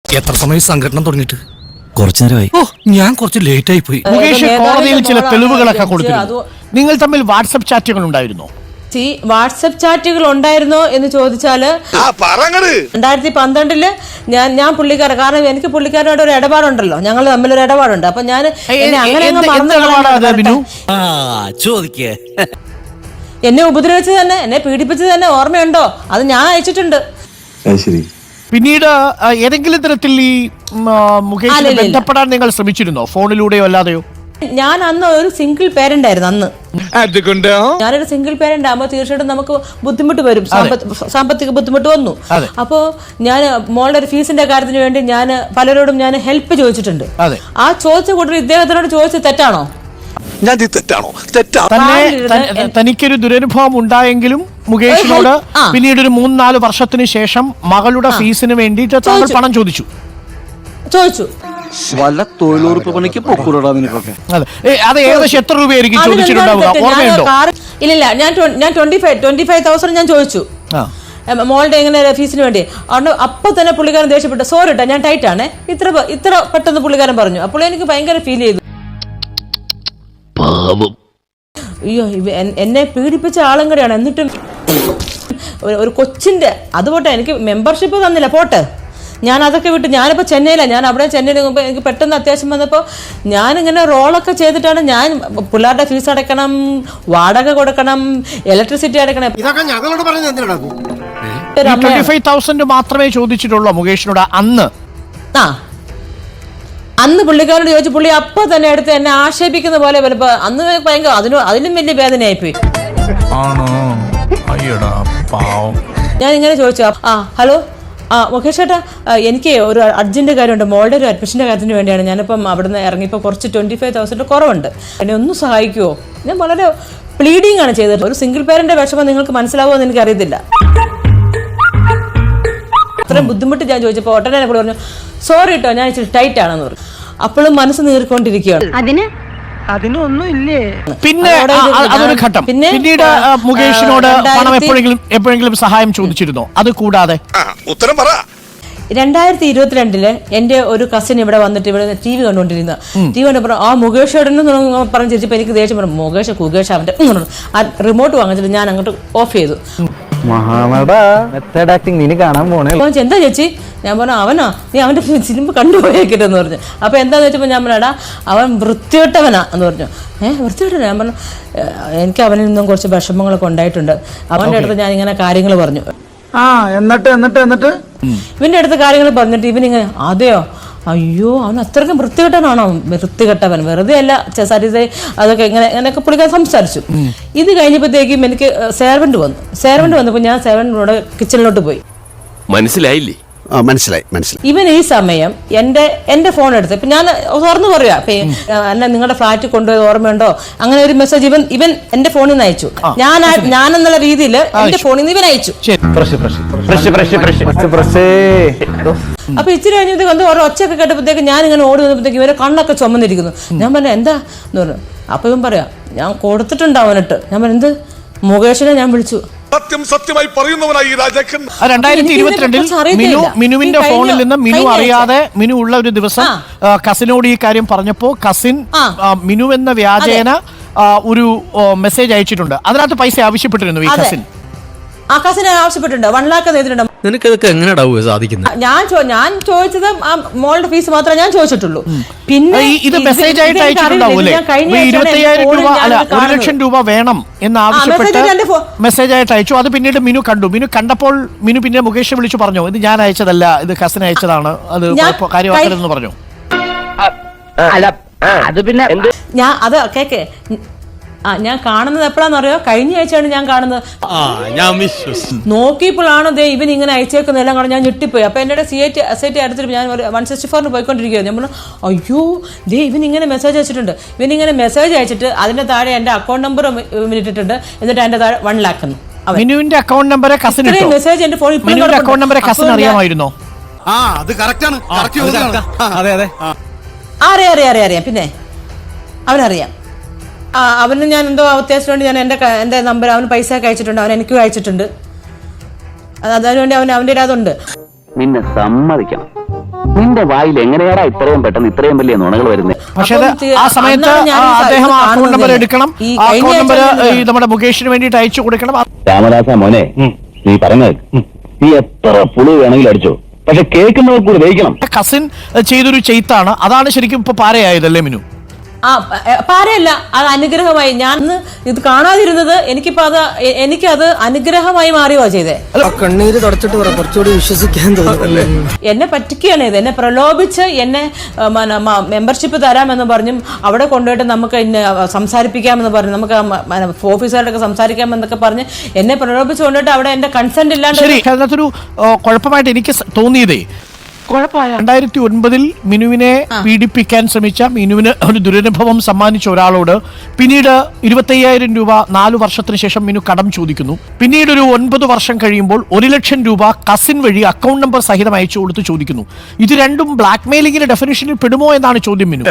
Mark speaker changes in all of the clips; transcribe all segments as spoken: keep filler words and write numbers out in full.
Speaker 1: എത്ര സമയം സംഘടന തുടങ്ങിയിട്ട്?
Speaker 2: കുറച്ചു നേരമായി.
Speaker 1: ഓ, ഞാൻ കുറച്ച് ലേറ്റ് ആയി പോയി.
Speaker 3: മുകേഷ് കോടതിയിൽ ചില തെളിവുകളൊക്കെ കൊടുത്തിരുന്നു. നിങ്ങൾ തമ്മിൽ വാട്സ്ആപ്പ് ചാറ്റുകൾ ഉണ്ടായിരുന്നോ?
Speaker 4: വാട്സപ്പ് ചാറ്റുകൾ ഉണ്ടായിരുന്നോ എന്ന് ചോദിച്ചാല് രണ്ടായിരത്തി പന്ത്രണ്ടില് ഞാൻ ഞാൻ പുള്ളിക്കാരൻ, കാരണം എനിക്ക് പുള്ളിക്കാരനോട് ഒരു ഇടപാടുണ്ടല്ലോ, ഞങ്ങൾ തമ്മിലൊരു ഇടപാടുണ്ട്. അപ്പൊ ഞാൻ അങ്ങനെ എന്നെ ഉപദ്രവിച്ചത് തന്നെ, എന്നെ പീഡിപ്പിച്ചത് തന്നെ ഓർമ്മയുണ്ടോ? അത് ഞാൻ അയച്ചിട്ടുണ്ട്.
Speaker 3: പിന്നീട് ഏതെങ്കിലും തരത്തിൽ ഈ മുകേഷിനെ ബന്ധപ്പെടാൻ നിങ്ങൾ ശ്രമിച്ചിരുന്നോ, ഫോണിലൂടെയോ അല്ലാതെയോ?
Speaker 4: ഞാൻ അന്ന് ഒരു സിംഗിൾ പേരന്റ് ആയിരുന്നു. അന്ന് ഞാനൊരു സിംഗിൾ പേരന്റ് ആകുമ്പോൾ തീർച്ചയായിട്ടും നമുക്ക് ബുദ്ധിമുട്ട് വരും, സാമ്പത്തിക ബുദ്ധിമുട്ട് വന്നു. അപ്പോ ഞാൻ മോളുടെ ഒരു ഫീസിന്റെ കാര്യത്തിന് വേണ്ടി ഞാൻ പലരോടും ഞാൻ ഹെൽപ്പ് ചോദിച്ചിട്ടുണ്ട്. ആ ചോദിച്ച കൂട്ടർ ഇദ്ദേഹത്തിനോട് ചോദിച്ചത് തെറ്റാണോ?
Speaker 3: തനിക്കൊരു ദുരനുഭവം ഉണ്ടായെങ്കിലും മുകേഷിനോട് പിന്നീട് ഒരു മൂന്ന് നാല് വർഷത്തിന് ശേഷം മകളുടെ ഫീസിന് വേണ്ടിയിട്ട് താങ്കൾ പണം ചോദിച്ചു
Speaker 4: ചോദിച്ചു
Speaker 2: വല്ല തൊഴിലുറപ്പ് പണിക്ക് പൊക്കൂടാ നിനക്കൊക്കെ.
Speaker 3: അത് ഏകദേശം എത്ര രൂപയായിരിക്കും ചോദിച്ചിട്ടുണ്ടാവുക, ഓർമ്മയുണ്ടോ?
Speaker 4: ഇല്ലില്ല, ഞാൻ ഞാൻ twenty five twenty five thousand ഞാൻ ചോദിച്ചു മോളുടെ എങ്ങനെ ഫീസിന് വേണ്ടി. അതുകൊണ്ട് അപ്പൊ തന്നെ പുള്ളിക്കാരൻ ദേഷ്യപ്പെട്ടു, സോറി കേട്ടോ ഞാൻ ടൈറ്റ് ആണ്, ഇത്ര ഇത്ര പെട്ടെന്ന് പുള്ളിക്കാരൻ പറഞ്ഞു. അപ്പോൾ എനിക്ക് ഭയങ്കര ഫീൽ ചെയ്തു. അയ്യോ, എന്നെ പീഡിപ്പിച്ച ആളും കൂടെയാണ്. എന്നിട്ടും ഒരു കൊച്ചിന്റെ അതുപോട്ടെ, എനിക്ക് മെമ്പർഷിപ്പ് തന്നില്ല, പോട്ടെ, ഞാൻ അതൊക്കെ വിട്ട് ഞാനിപ്പോൾ ചെന്നൈയിലാണ്. ഞാൻ അവിടെ ചെന്നൈയിൽ മുമ്പ് എനിക്ക് പെട്ടെന്ന് അത്യാവശ്യം വന്നപ്പോൾ ഞാനിങ്ങനെ റോളൊക്കെ ചെയ്തിട്ടാണ് ഞാൻ പിള്ളേരുടെ ഫീസ് അടയ്ക്കണം, വാടക കൊടുക്കണം, ഇലക്ട്രിസിറ്റി അടയ്ക്കണം.
Speaker 3: മാത്രമേ ചോദിച്ചിട്ടുള്ളൂ മുകേഷിനോട് അന്ന്.
Speaker 4: ആ അന്ന് പുള്ളിക്കാരോട് ചോദിച്ചു, പുള്ളി അപ്പൊ തന്നെ എടുത്ത് എന്നെ ആക്ഷേപിക്കുന്ന പോലെ വലപ്പോ അന്ന് ഭയങ്കര അതിനും അതിലും വലിയ വേദനയായിപ്പോയി. ഞാൻ ഇങ്ങനെ ചോദിച്ചു, ആ ഹലോ ആ മുകേഷ് ചേട്ടാ, എനിക്ക് ഒരു അർജന്റ് കാര്യമുണ്ട്, മോളുടെ ഒരു അഡ്മിഷൻ്റെ കാര്യത്തിന് വേണ്ടിയാണ്. ഞാനിപ്പം അവിടെ നിന്ന് ഇറങ്ങിയപ്പോൾ കുറച്ച് ട്വൻറ്റി ഫൈവ് തൗസൻഡ് കുറവുണ്ട്, എന്നെ ഒന്ന് സഹായിക്കുമോ? ഞാൻ വളരെ പ്ലീഡിങ് ആണ് ചെയ്തത്. ഒരു സിംഗിൾ പേരൻ്റെ വിഷമം നിങ്ങൾക്ക് മനസ്സിലാവുമോ എന്ന് എനിക്കറിയത്തില്ല. അത്രയും ബുദ്ധിമുട്ട് ഞാൻ ചോദിച്ചപ്പോൾ ഒട്ടനെ എന്നോട് പറഞ്ഞു, സോറി കേട്ടോ ഞാൻ ഇച്ചിരി ടൈറ്റ് ആണെന്ന് പറഞ്ഞു. അപ്പോഴും മനസ്സ് നീറിക്കൊണ്ടിരിക്കുകയാണ്.
Speaker 5: അതിനൊന്നും ഇല്ലേ.
Speaker 3: പിന്നെ അതൊരു ഘട്ടം. പിന്നീട് മുകേഷിനോട് പണം എപ്പോഴെങ്കിലും എപ്പോഴെങ്കിലും സഹായം ചോദിച്ചിരുന്നോ? അത് കൂടാതെ
Speaker 1: ഉത്തരം പറ.
Speaker 4: രണ്ടായിരത്തി ഇരുപത്തിരണ്ടില് എന്റെ ഒരു കസിൻ ഇവിടെ വന്നിട്ട് ഇവിടെ ടി വി കണ്ടുകൊണ്ടിരുന്ന ടി വി കണ്ടപ്പോൾ ആ മുകേഷ് പറഞ്ഞ് ചിരിച്ചപ്പോൾ എനിക്ക് ദേഷ്യം പറഞ്ഞു, മുകേഷ് കുകേഷ് അവന്റെ ആ റിമോട്ട് വാങ്ങിച്ചിട്ട് ഞാൻ അങ്ങോട്ട് ഓഫ് ചെയ്തു. എന്താ ചേച്ചി? ഞാൻ പറഞ്ഞു, അവനോ നീ അവന്റെ സിനിമ കണ്ടുപോയേക്കിട്ടെന്ന് പറഞ്ഞു. അപ്പൊ എന്താന്ന് വെച്ചപ്പോ ഞാൻ പറഞ്ഞാ അവൻ വൃത്തികെട്ടവനാ എന്ന് പറഞ്ഞു. ഏഹ് വൃത്തികെട്ടവനാ? ഞാൻ പറഞ്ഞു, എനിക്ക് അവനിൽ നിന്നും കുറച്ച് വിഷമങ്ങളൊക്കെ ഉണ്ടായിട്ടുണ്ട്. അവന്റെ അടുത്ത് ഞാൻ ഇങ്ങനെ കാര്യങ്ങൾ പറഞ്ഞു.
Speaker 5: ആ എന്നിട്ട് എന്നിട്ട് എന്നിട്ട്
Speaker 4: ഇവന്റെ അടുത്ത് കാര്യങ്ങൾ പറഞ്ഞിട്ട് ഇവനിങ്ങനെ, അതെയോ, അയ്യോ അവൻ അത്രയ്ക്കും വൃത്തികെട്ടനാണോ? വൃത്തികെട്ടവൻ വെറുതെ അല്ല സരിത അതൊക്കെ ഇങ്ങനെ അങ്ങനെയൊക്കെ പുള്ളിക്കാൻ സംസാരിച്ചു. ഇത് കഴിഞ്ഞപ്പോഴത്തേക്കും എനിക്ക് സേർവന്റ് വന്നു. സേർവന്റ് വന്നപ്പോൾ ഞാൻ സേർവന്റിനോട് കിച്ചണിലോട്ട് പോയി.
Speaker 2: മനസ്സിലായില്ലേ? മനസ്സിലായി മനസ്സിലായി.
Speaker 4: ഇവൻ ഈ സമയം എന്റെ എന്റെ ഫോൺ എടുത്ത് ഇപ്പൊ ഞാൻ തുറന്നു പറയാ, എന്നെ നിങ്ങളുടെ ഫ്ലാറ്റിൽ കൊണ്ടുപോയത് ഓർമ്മയുണ്ടോ, അങ്ങനെ ഒരു മെസ്സേജ് ഇവൻ ഇവൻ എന്റെ ഫോണിൽ നിന്ന് അയച്ചു. ഞാൻ ഞാനെന്നുള്ള രീതിയിൽ എന്റെ ഫോണിൽ നിന്ന് ഇവൻ അയച്ചു. അപ്പൊ ഇച്ചിരി കഴിഞ്ഞപ്പോഴത്തേക്ക് എന്തോ ഓരോ ഒച്ചയൊക്കെ കേട്ടപ്പോഴത്തേക്ക് ഞാൻ ഇങ്ങനെ ഓടി വന്നപ്പോഴത്തേക്ക് ഇവരെ കണ്ണൊക്കെ ചുമന്നിരിക്കുന്നു. ഞാൻ പറഞ്ഞു, എന്താ എന്ന് പറഞ്ഞു. അപ്പൊ ഇവൻ പറയാ, ഞാൻ കൊടുത്തിട്ടുണ്ട് അവനിട്ട്. ഞാൻ പറഞ്ഞു, എന്ത്? മുകേഷിനെ ഞാൻ വിളിച്ചു.
Speaker 1: സത്യം സത്യമായി പറയുന്നവനായി രാജാക്കൻ.
Speaker 3: രണ്ടായിരത്തി ഇരുപത്തിരണ്ടിൽ മിനു മിനുവിന്റെ ഫോണിൽ നിന്ന് മിനു അറിയാതെ മിനു ഉള്ള ഒരു ദിവസം കസിനോട് ഈ കാര്യം പറഞ്ഞപ്പോ കസിൻ മിനു എന്ന വ്യാജേന ഒരു മെസ്സേജ് അയച്ചിട്ടുണ്ട്. അതിനകത്ത് പൈസ ആവശ്യപ്പെട്ടിരുന്നു ഈ കസിൻ.
Speaker 4: ആ കസിനെ ആവശ്യപ്പെട്ടിട്ടുണ്ട്, വൺ ലാക്ക് ചെയ്തിട്ടുണ്ട്.
Speaker 2: നിനക്ക് എങ്ങനെയാ സാധിക്കുന്നത്?
Speaker 4: ഞാൻ ഞാൻ ചോദിച്ചത് ആ മോളുടെ ഫീസ് മാത്രമേ ഞാൻ ചോദിച്ചിട്ടുള്ളൂ. പിന്നെ
Speaker 3: ഇത് മെസ്സേജ് ആയിട്ട് അയച്ചിട്ടുണ്ടാവൂലേ, ഇരുപത്തയ്യായിരം രൂപ അല്ല ഒരു ലക്ഷം രൂപ വേണം എന്ന് ആവശ്യപ്പെട്ട് മെസ്സേജ് ആയിട്ട് അയച്ചു. അത് പിന്നീട് മിനു കണ്ടു. മിനു കണ്ടപ്പോൾ മിനു പിന്നെ മുകേഷ് വിളിച്ചു പറഞ്ഞു, ഇത് ഞാൻ അയച്ചതല്ല, ഇത് കസിൻ അയച്ചതാണ്, അത് കാര്യമാക്കരുതെന്ന് പറഞ്ഞു.
Speaker 5: അത് പിന്നെ
Speaker 4: ഞാൻ അത് കേക്കേ ആ ഞാൻ കാണുന്നത് എപ്പോഴാണെന്നറിയോ? കഴിഞ്ഞ ആഴ്ചയാണ് ഞാൻ കാണുന്നത്. നോക്കിയപ്പോഴാണ് ദേ ഇവൻ ഇങ്ങനെ അയച്ചേക്കുന്ന എല്ലാം കാണാൻ ഞാൻ ഞെട്ടിപ്പോയി. അപ്പൊ എന്നോട് C I T S I T അടുത്തിട്ട് ഞാൻ ഒരു വൺ സിക്സ്റ്റി ഫോറിന് പോയിക്കൊണ്ടിരിക്കുകയാണ്. ഞാൻ പറഞ്ഞു, അയ്യോ ദേ ഇവൻ ഇങ്ങനെ മെസ്സേജ് അയച്ചിട്ടുണ്ട്. ഇവൻ ഇങ്ങനെ മെസ്സേജ് അയച്ചിട്ട് അതിന്റെ താഴെ എന്റെ അക്കൗണ്ട് നമ്പർ ഇട്ടിട്ടുണ്ട്. എന്നിട്ട് എന്റെ താഴെ വൺ ലാക്ക്
Speaker 3: മിനുവിന്റെ അക്കൗണ്ട് നമ്പർ
Speaker 4: മെസ്സേജ് എന്റെ ഫോണിൽ
Speaker 3: അക്കൗണ്ട് നമ്പർ കസിൻ അറിയാമായിരുന്നോ?
Speaker 4: അറിയാം അറിയാം അറിയാം അറിയാം പിന്നെ അവനറിയാം. ആ അവന് ഞാൻ എന്തോ അത്യാവശ്യം വേണ്ടി ഞാൻ എൻ്റെ എൻ്റെ നമ്പർ അവന് പൈസ ഒക്കെ അയച്ചിട്ടുണ്ട്. അവൻ എനിക്കും അയച്ചിട്ടുണ്ട്. അതിനുവേണ്ടി അവൻ അവൻ്റെ അതുണ്ട്.
Speaker 5: നിന്നെ സമ്മതിക്കണം,
Speaker 6: നിന്റെ വായിൽ എങ്ങനെയാടാ ഇത്രയും പെട്ടെന്ന് ഇത്രയും വലിയ നുണകൾ വരുന്നത്?
Speaker 3: പക്ഷേ അത്
Speaker 4: അപ്പം തി-
Speaker 3: ആ സമയത്ത്
Speaker 4: അന്നാണ് ഞാൻ
Speaker 3: ആ
Speaker 4: ഈ
Speaker 3: അദ്ദേഹം ആ
Speaker 4: ഇത്
Speaker 3: അക്കൗണ്ട് നമ്പർ
Speaker 4: കാണുന്നത്.
Speaker 3: എടുക്കണം,
Speaker 4: ഈ
Speaker 3: ആ
Speaker 4: കഴിഞ്ഞ
Speaker 3: അക്കൗണ്ട് നമ്പർ
Speaker 4: ആഴ്ച
Speaker 3: ഈ നമ്മുടെ മുകേഷിന് വേണ്ടിയിട്ട് അയച്ചു കൊടുക്കണം.
Speaker 6: രാമദാസ മോനെ, നീ പറഞ്ഞത് നീ എത്ര പുളി വേണമെങ്കിലും അടിച്ചോ, പക്ഷെ കേൾക്കുന്നവർ കൂടി ദഹിക്കണം.
Speaker 3: കസിൻ ചെയ്തൊരു ചെയ്ത്താണ്, അതാണ് ശരിക്കും ഇപ്പൊ പാരയായതല്ലേ മിനു?
Speaker 4: ആ പ- പാരയല്ല, അത് അനുഗ്രഹമായി. ഞാൻ ഇന്ന് ഇത് കാണാതിരുന്നത് എനിക്കിപ്പോ അത് എ- എനിക്കത് അനുഗ്രഹമായി മാറിയോ ചെയ്തേ.
Speaker 2: കണ്ണീര് തുടച്ചിട്ട് പറ, കുറച്ചുകൂടി വിശ്വസിക്കാൻ തോന്നുന്നല്ലേ.
Speaker 4: എന്നെ പറ്റിക്കുകയാണ് ഇത്, എന്നെ പ്രലോഭിച്ച് എന്നെ മെമ്പർഷിപ്പ് തരാമെന്ന് പറഞ്ഞും അവിടെ കൊണ്ടുപോയിട്ട് നമുക്ക് ഇന്ന് സംസാരിപ്പിക്കാമെന്ന് പറഞ്ഞു, നമുക്ക് ഓഫീസറുടെ സംസാരിക്കാമെന്നൊക്കെ പറഞ്ഞ് എന്നെ പ്രലോഭിച്ച് കൊണ്ടുപോയിട്ട് അവിടെ എന്റെ കൺസെന്റ് ഇല്ലാണ്ട്.
Speaker 3: ശരി, അതിനകത്തൊരു ആ, കുഴപ്പമായിട്ട് എനിക്ക് സ- തോന്നിയതേ രണ്ടായിരത്തി ഒൻപതിൽ മിനുവിനെ പീഡിപ്പിക്കാൻ ശ്രമിച്ച, മിനുവിന് ഒരു ദുരനുഭവം സമ്മാനിച്ച ഒരാളോട് പിന്നീട് ഇരുപത്തയ്യായിരം രൂപ നാലു വർഷത്തിന് ശേഷം മിനു കടം ചോദിക്കുന്നു. പിന്നീട് ഒരു ഒൻപത് വർഷം കഴിയുമ്പോൾ ഒരു ലക്ഷം രൂപ കസിൻ വഴി അക്കൗണ്ട് നമ്പർ സഹിതം അയച്ചു കൊടുത്ത് ചോദിക്കുന്നു. ഇത് രണ്ടും ബ്ലാക്ക് മെയിലിംഗിന്റെ ഡെഫിനിഷനിൽ പെടുമോ എന്നാണ് ചോദ്യം മിനു.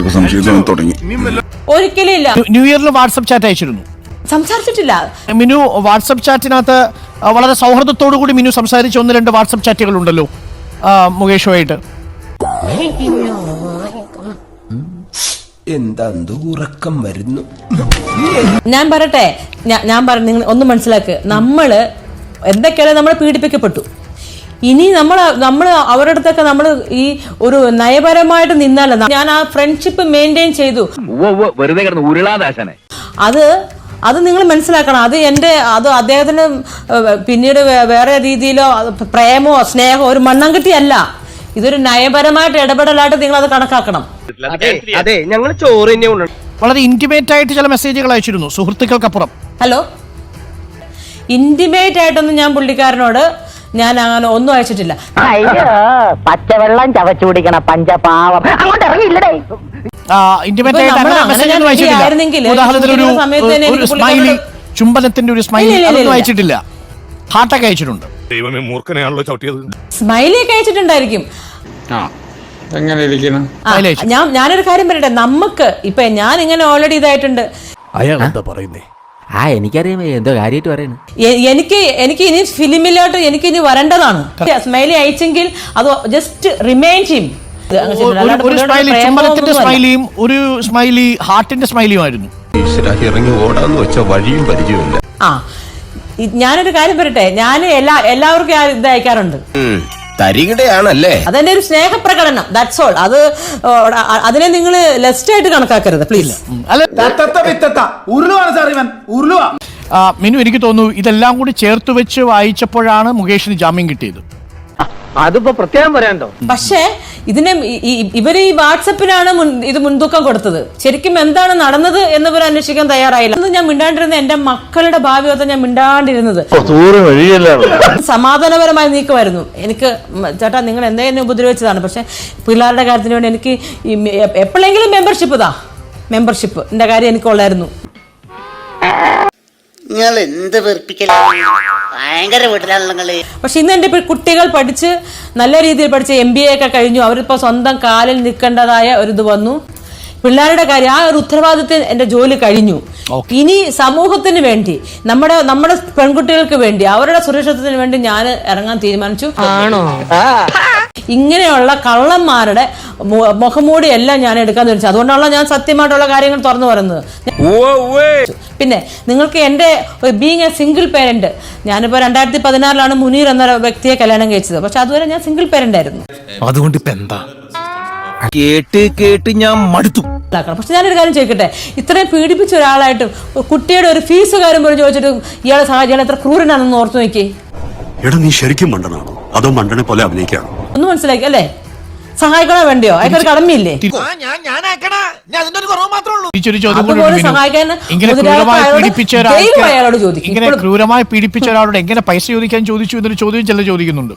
Speaker 4: ഒരിക്കലും ഇല്ല.
Speaker 3: ന്യൂ- ന്യൂ ഇയറിൽ വാട്സപ്പ് ചാറ്റ് അയച്ചിരുന്നു.
Speaker 4: സംസാരിച്ചിട്ടില്ല.
Speaker 3: മിനു വാട്സപ്പ് ചാറ്റിനകത്ത് ആ, വളരെ സൗഹൃദത്തോടു കൂടി മിനു സംസാരിച്ച ഒന്ന് രണ്ട് വാട്സപ്പ് ചാറ്റുകൾ ഉണ്ടല്ലോ ആ, മുകേഷുമായിട്ട്.
Speaker 7: എന്താ ഉറക്കം വരുന്നു.
Speaker 4: ഞാൻ പറയട്ടെ, ഞാ- ഞാൻ പറ നിങ്ങൾ ഒന്ന് മനസ്സിലാക്ക്, നമ്മള് എന്തൊക്കെയാണ് നമ്മൾ പീഡിപ്പിക്കപ്പെട്ടു. ഇനി നമ്മൾ നമ്മൾ അവരുടെ അടുത്തൊക്കെ നമ്മൾ ഈ ഒരു നയപരമായിട്ട് നിന്നല്ല, ഞാൻ ആ ഫ്രണ്ട്ഷിപ്പ് മെയിൻറ്റെയിൻ ചെയ്തു.
Speaker 6: വെറുതെ കിടന്ന് ഉരുളാദാശനെ.
Speaker 4: അത് അത് നിങ്ങൾ മനസ്സിലാക്കണം. അത് എൻ്റെ അത് അദ്ദേഹത്തിന് ഏഹ്, പിന്നീട് വേ- വേറെ രീതിയിലോ അത് പ്രേമോ സ്നേഹമോ ഒരു മണ്ണാങ്കട്ടിയല്ല. ഇതൊരു നയപരമായിട്ട് ഇടപെടലായിട്ട് നിങ്ങൾ അത് കണക്കാക്കണം.
Speaker 5: അതെ, ഞങ്ങൾ ചോറ് തന്നെ കൊണ്ടു.
Speaker 3: വളരെ ഇന്റിമേറ്റ് ആയിട്ട് ചില മെസ്സേജുകൾ അയച്ചിരുന്നു സുഹൃത്തുക്കൾക്കപ്പുറം.
Speaker 4: ഹലോ, ഇന്റിമേറ്റ് ആയിട്ടൊന്നും ഞാൻ പുള്ളിക്കാരനോട് ഞാൻ അങ്ങനെ ഒന്നും അയച്ചിട്ടില്ല.
Speaker 8: അയ്യോ, പച്ചവെള്ളം ചവച്ചു കുടിക്കണ പഞ്ചപാവം അങ്ങോട്ട് ഇറങ്ങിയില്ലടേ.
Speaker 3: ഇന്റിമേറ്റ്
Speaker 4: ഇപ്പൊ
Speaker 3: ആയിട്ട്
Speaker 4: നമ്മള്
Speaker 3: അങ്ങനെ
Speaker 4: അങ്ങനെ
Speaker 3: മെസ്സേജ് ഒന്നും
Speaker 4: ഞാൻ
Speaker 3: അയച്ചിട്ടില്ല.
Speaker 4: ആയിരുന്നെങ്കിൽ
Speaker 3: ഉദാഹരണത്തിന് ഒരു
Speaker 4: ഈ സമയത്ത് തന്നെ
Speaker 3: ഒരു
Speaker 4: എനിക്ക്
Speaker 3: സ്മൈലി,
Speaker 4: പുള്ളിക്കാരനോട്
Speaker 3: ചുംബനത്തിന്റെ ഒരു സ്മൈലി,
Speaker 4: ഇല്ല, ഇല്ല,
Speaker 3: അതൊന്നും
Speaker 4: ഇല്ല.
Speaker 3: അയച്ചിട്ടില്ല. ഹാർട്ടൊക്കെ അയച്ചിട്ടുണ്ട്.
Speaker 1: ദൈവമേ, മൂർഖനെയാണല്ലോ ചവിട്ടിയത്.
Speaker 4: സ്മൈലി ഒക്കെ അയച്ചിട്ടുണ്ടായിരിക്കും.
Speaker 9: എങ്ങനെ ഇരിക്കണം?
Speaker 4: ആ, ഞാൻ ഞാനൊരു കാര്യം പറയട്ടെ, നമുക്ക് ഇപ്പൊ ഞാൻ ഇങ്ങനെ ഓൾറെഡി ഇതായിട്ടുണ്ട്.
Speaker 1: അയാൾ എന്താ പറയുന്നേ?
Speaker 2: ആ എനിക്കറിയാം എന്തോ കാര്യമായിട്ട് പറയുന്നു.
Speaker 4: എ- എനിക്ക് എനിക്ക് ഇനി ഫിലിമിലോട്ട് എനിക്ക് ഇനി വരേണ്ടതാണ്. സ്മൈലി അയച്ചെങ്കിൽ അത് ജസ്റ്റ് റിമൈൻ ചെയ്യും.
Speaker 3: ഒരു- ഒരു സ്മൈലി ചുംബനത്തിന്റെ സ്മൈലിയും ഒരു സ്മൈലി ഹാർട്ടിന്റെ സ്മൈലിയും ആയിരുന്നു.
Speaker 7: ഇറങ്ങി ഓടാന്ന് വെച്ച വഴിയും പരിചയമില്ല.
Speaker 4: ആ, ഇ- ഞാനൊരു കാര്യം പറയട്ടെ, ഞാൻ എല്ലാ എല്ലാവർക്കും ആ ഇത് അയക്കാറുണ്ട്.
Speaker 7: തരികിടയാണല്ലേ?
Speaker 4: അതെന്റെ ഒരു സ്നേഹപ്രകടനം, ദാറ്റ്സ് ഓൾ. അത് ഓ, അ- അതിനെ നിങ്ങൾ ലെസ്റ്റ് ആയിട്ട് കണക്കാക്കരുത് പ്ലീസ്.
Speaker 3: അല്ല
Speaker 5: ഉരുളുവാണ് സാർ, ഇവൻ ഉരുളുവാ.
Speaker 3: ആ, മിനു, എനിക്ക് തോന്നുന്നു ഇതെല്ലാം കൂടി ചേർത്ത് വെച്ച് വായിച്ചപ്പോഴാണ് മുകേഷിന് ജാമ്യം കിട്ടിയത്.
Speaker 5: അതിപ്പോ പ്രത്യേകം പറയാണ്ടോ?
Speaker 4: പക്ഷേ ഇതിനെ ഇ- ഇ- ഇവര് ഈ വാട്സപ്പിനാണ് മുൻ ഇത് മുൻതൂക്കം കൊടുത്തത്. ശരിക്കും എന്താണ് നടന്നത് എന്നിവർ അന്വേഷിക്കാൻ തയ്യാറായില്ല. അന്ന് ഞാൻ മിണ്ടാണ്ടിരുന്ന എന്റെ മക്കളുടെ ഭാവിയൊക്കെ ഞാൻ മിണ്ടാണ്ടിരുന്നത് സമാധാനപരമായി നീക്കുമായിരുന്നു. എനിക്ക് മ- ചേട്ടാ നിങ്ങൾ എന്തെങ്കിലും ഉപദ്രവിച്ചതാണ്, പക്ഷെ പിള്ളേരുടെ കാര്യത്തിന് വേണ്ടി എനിക്ക് ഈ മെ- എ- എപ്പോഴെങ്കിലും മെമ്പർഷിപ്പ് താ മെമ്പർഷിപ്പ് എന്റെ കാര്യം എനിക്കുള്ളായിരുന്നു.
Speaker 8: നിങ്ങൾ എന്ത് വെറുപ്പിക്കലാണ്, ഭയങ്കര വീട്ടിലാണല്ലോ നിങ്ങള്.
Speaker 4: പക്ഷെ ഇന്ന് എൻ്റെ ഇപ്പോൾ കുട്ടികൾ പഠിച്ച് നല്ല രീതിയിൽ പഠിച്ച് എം ബി എ ഒക്കെ കഴിഞ്ഞു. അവരിപ്പോൾ സ്വന്തം കാലിൽ നിൽക്കേണ്ടതായ ഒരു ഇത് വന്നു. പിള്ളേരുടെ കാര്യം ആ ഒരു ഉത്തരവാദിത്വം എൻ്റെ ജോലി കഴിഞ്ഞു. ഇനി സമൂഹത്തിന് വേണ്ടി, നമ്മുടെ നമ്മുടെ പെൺകുട്ടികൾക്ക് വേണ്ടി, അവരുടെ സുരക്ഷിതത്തിന് വേണ്ടി ഞാൻ ഇറങ്ങാൻ തീരുമാനിച്ചു. ആണോ? ഇങ്ങനെയുള്ള കള്ളന്മാരുടെ മു- മുഖംമൂടി എല്ലാം ഞാൻ എടുക്കാൻ തീരുമാനിച്ചു. അതുകൊണ്ടാണല്ലോ ഞാൻ സത്യമായിട്ടുള്ള കാര്യങ്ങൾ തുറന്നു പറയുന്നത്. പിന്നെ നിങ്ങൾക്ക് എൻ്റെ ബീങ് എ സിംഗിൾ പേരന്റ്, ഞാനിപ്പോൾ രണ്ടായിരത്തി പതിനാറിലാണ് മുനീർ എന്ന വ്യക്തിയെ കല്യാണം കഴിച്ചത്. പക്ഷെ അതുവരെ ഞാൻ സിംഗിൾ പേരന്റ് ആയിരുന്നു.
Speaker 1: അതുകൊണ്ട് ഇപ്പൊ എന്താ?
Speaker 2: കേട്ട് കേട്ട് ഞാൻ മടുത്തു.
Speaker 4: പക്ഷെ ഞാനൊരു കാര്യം ചോദിക്കട്ടെ, ഇത്രയും പീഡിപ്പിച്ച ഒരാളായിട്ട് കുട്ടിയുടെ ഒരു ഫീസ് കാര്യം പോലും ചോദിച്ചിട്ട് ഇയാളെ സഹായിച്ചാൽ എത്ര ക്രൂരനാണെന്ന് ഓർത്തു നോക്കി.
Speaker 10: എടാ, നീ ശരിക്കും മണ്ടനാണോ അതോ മണ്ടനെ പോലെ അഭിനയിക്കാണോ?
Speaker 4: ഒന്ന് മനസ്സിലാക്കി അല്ലേ? സഹായിക്കണോ വേണ്ടിയോ? അയാൾക്കൊരു കടമയില്ലേ?
Speaker 3: തിരിച്ചൊരു ചോദ്യം കൂടി
Speaker 4: അതുപോലെ
Speaker 3: ഉണ്ട് മിനു.
Speaker 4: സഹായിക്കാൻ
Speaker 3: ഇങ്ങനെ
Speaker 4: മുതലാളിത്ത
Speaker 3: ക്രൂരമായി
Speaker 4: അയാളോട്
Speaker 3: പീഡിപ്പിച്ച
Speaker 4: ദൈവം അയാളോട്
Speaker 3: ഒരാൾക്ക്
Speaker 4: ചോദിക്കും.
Speaker 3: ഇങ്ങനെ
Speaker 4: ഇപ്പോഴും-
Speaker 3: ക്രൂരമായി പീഡിപ്പിച്ച ഒരാളോട് എങ്ങനെ പൈസ ചോദിക്കാൻ ചോദിച്ചു എന്നൊരു ചോദ്യം ചില ചോദിക്കുന്നുണ്ട്.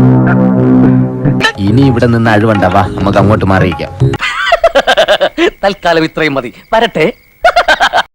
Speaker 2: ഇനി ഇവിടെ നിന്ന് അഴിവണ്ടാവാ, നമുക്ക് അങ്ങോട്ട് മാറിയിക്കാം.
Speaker 6: തൽക്കാലം ഇത്രയും മതി. വരട്ടെ.